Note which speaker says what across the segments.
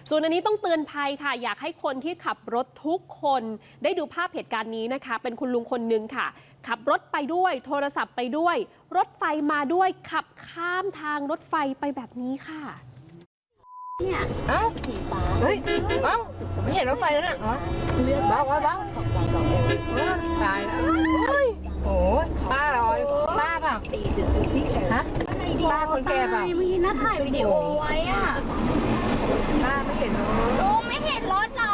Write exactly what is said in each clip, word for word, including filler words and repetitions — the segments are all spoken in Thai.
Speaker 1: ส่วนอันนี้ต้องเตือนภัยค่ะอยากให้คนที่ขับรถทุกคนได้ดูภาพเหตุการณ์นี้นะคะเป็นคุณลุงคนนึงค่ะขับรถไปด้วยโทรศัพท์ไปด้วยรถไฟมาด้วยขับข้ามทางรถไฟไปแบบนี้ค่ะ
Speaker 2: เนี่ยเอ้าเฮ้ยเอ้าไม่เห็นรถไฟแล้วนะอ๋อเบาเบาเบาตายแล้วโอ้ยโอ้ป้าลอยป้าเปล่าฮะป้าคนแก่เปล่า
Speaker 3: เมื่อกี้น้าถ่ายวิดีโอไว้อ่ะ
Speaker 2: ป้าไม่เห็น
Speaker 3: ลุงไม่เห็นรถเหรอ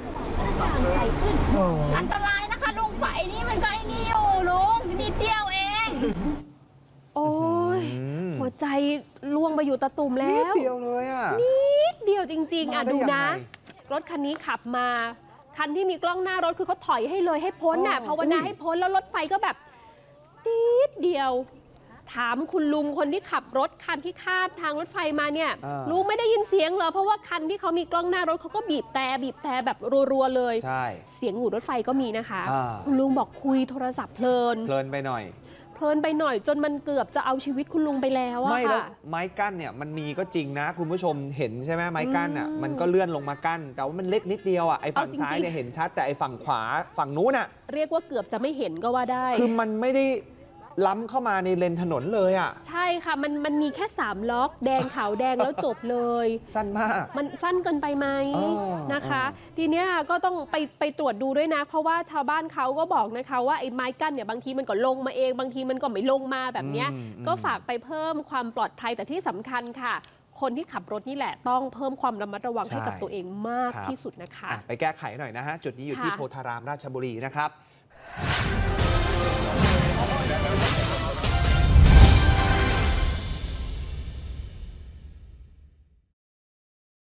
Speaker 3: อันตรายนะคะลุงไฟนี่มันก็ไอ้นี่อยู่ลุงนิดเดียวเอง
Speaker 1: โอ้ยหัวใจล่วงไปอยู่ตะตุ่มแล้ว
Speaker 4: นิดเดียวเลยอ่ะ
Speaker 1: นิดเดียวจริงๆอ่ะดูนะรถคันนี้ขับมาคันที่มีกล้องหน้ารถคือเขาถอยให้เลยให้พ้นน่ะภาวนาให้พ้นแล้วรถไฟก็แบบนิดเดียวถามคุณลุงคนที่ขับรถคันที่ข้ามทางรถไฟมาเนี่ยลุงไม่ได้ยินเสียงเหรอเพราะว่าคันที่เขามีกล้องหน้ารถเขาก็บีบแต่บีบแต่แบบรัวๆเลย
Speaker 4: ใช่
Speaker 1: เสียงหูรถไฟก็มีนะคะคุณลุงบอกคุยโทรศัพท์เพลิน
Speaker 4: เพลินไปหน่อย
Speaker 1: เพลินไปหน่อยจนมันเกือบจะเอาชีวิตคุณลุงไปแล้วอะค่ะ
Speaker 4: ไม่แล้วไม้กั้นเนี่ยมันมีก็จริงนะคุณผู้ชมเห็นใช่ไหมไม้กั้นอ่ะมันก็เลื่อนลงมากั้นแต่ว่ามันเล็กนิดเดียวอ่ะไอ้ฝั่งซ้ายเนี่ยเห็นชัดแต่ไอ้ฝั่งขวาฝั่งนู้นอ่ะ
Speaker 1: เรียกว่าเกือบจะไม่เห็นก็ว่าได้
Speaker 4: คือมันไม่ได้ล้ำเข้ามาในเลนถนนเลยอ่ะ
Speaker 1: ใช่ค่ะมันมันมีแค่สามล็อกแดงขาวแดงแล้วจบเลย
Speaker 4: สั้นมาก
Speaker 1: มันสั้นเกินไปไหมนะคะทีเนี้ยก็ต้องไปไปตรวจดูด้วยนะเพราะว่าชาวบ้านเขาก็บอกนะคะว่าไอ้ไม้กั้นเนี่ยบางทีมันก็ลงมาเองบางทีมันก็ไม่ลงมาแบบเนี้ยก็ฝากไปเพิ่มความปลอดภัยแต่ที่สำคัญค่ะคนที่ขับรถนี่แหละต้องเพิ่มความระมัดระวังให้กับตัวเองมากที่สุดนะคะ
Speaker 4: ไปแก้ไขหน่อยนะฮะจุดนี้อยู่ที่โพธารามราชบุรีนะครับ